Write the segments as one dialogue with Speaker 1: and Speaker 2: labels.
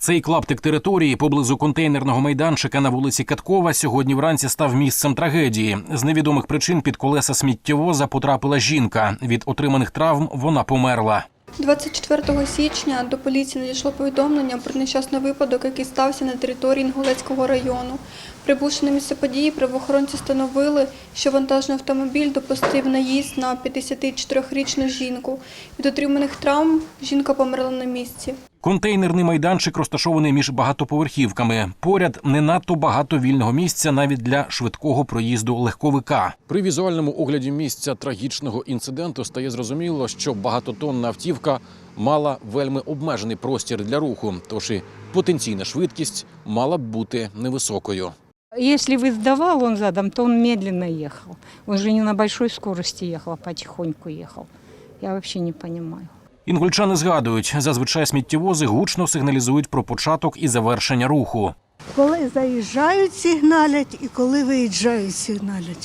Speaker 1: Цей клаптик території поблизу контейнерного майданчика на вулиці Каткова сьогодні вранці став місцем трагедії. З невідомих причин під колеса сміттєвоза потрапила жінка. Від отриманих травм вона померла.
Speaker 2: 24 січня до поліції надійшло повідомлення про нещасний випадок, який стався на території Інгулецького району. Прибувши на місце події, правоохоронці встановили, що вантажний автомобіль допустив наїзд на 54-річну жінку. Від отриманих травм жінка померла на місці.
Speaker 1: Контейнерний майданчик розташований між багатоповерхівками. Поряд не надто багато вільного місця навіть для швидкого проїзду легковика. При візуальному огляді місця трагічного інциденту стає зрозуміло, що багатотонна автівка мала вельми обмежений простір для руху, тож і потенційна швидкість мала б бути невисокою.
Speaker 3: Если бы сдавал он задом, то он медленно ехал. Он же не на большой скорости ехал, а потихоньку ехал. Я вообще не понимаю.
Speaker 1: Інгульчани згадують, зазвичай сміттєвози гучно сигналізують про початок і завершення руху.
Speaker 4: Коли заїжджають, сигналять, і коли виїжджають, сигналять.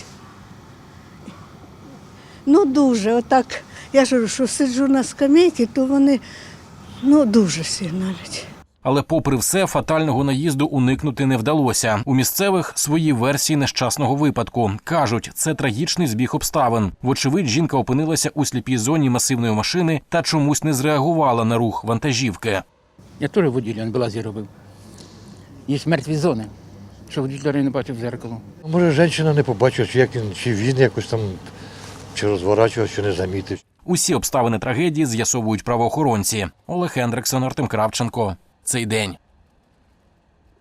Speaker 4: Ну дуже, отак, я ж говорю, що сиджу на скамейці, то вони, дуже сигналять.
Speaker 1: Але попри все, фатального наїзду уникнути не вдалося. У місцевих свої версії нещасного випадку. Кажуть, це трагічний збіг обставин. Вочевидь, жінка опинилася у сліпій зоні масивної машини та чомусь не зреагувала на рух вантажівки.
Speaker 5: Я теж водій, він балазі робив. Є мертві зони, що водій не бачив в зеркало.
Speaker 6: Може, жінка не побачила, чи він якось там чи розворачував, чи не замітив.
Speaker 1: Усі обставини трагедії з'ясовують правоохоронці. Олег Хендриксон, Артем Кравченко. Цей день.